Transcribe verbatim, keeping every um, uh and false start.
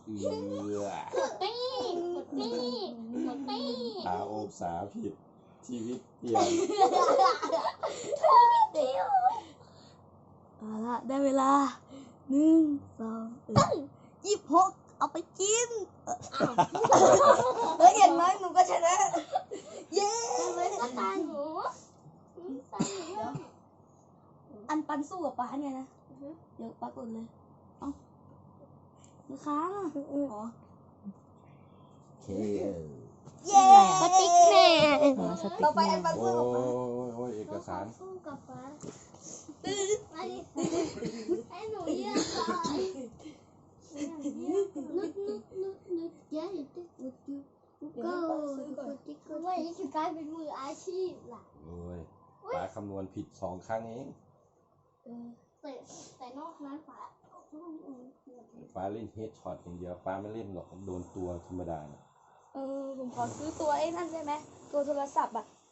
เอือหมดตี้หมดตี้หมดตี้หาโอบสาผิดชีวิตเปลี่ยนเอาละได้เวลาหนึ่งสองยี่สิบหกเอาไปกินเฮ้ยเห็นไหมหนูก็ชนะเย้ไม่ก็ตายหนูตายหนูอันปันสู้กับป้าเนี่ยนะเดี๋ยวป้ากดเลยเอ้ามือค้างอ่ะอ๋อเคเย้สติ๊กแมนต่อไปอันปันโอ้สู้กับป้ายโอ้ยเอกสารสู้กับฟ้ามาดิให้หนูเยี่ยมก่อนนุดนุดนุดนุดเยอะติ๊กนุดนุดก็ติ๊กก็ว่านี่คือกลายเป็นมืออาชีพล่ะโอ้ยป๋าคำนวณผิดสองครั้งเองแต่แต่นอกนั้นฟ้าป๋าเล่นเฮดช็อตอย่างเดียวป๋าไม่เล่นหรอกโดนตัวธรรมดาน่ะเออผมขอซื้อตัวไอ้นั่นได้ไหมตัวโทรศัพท์อ่ะ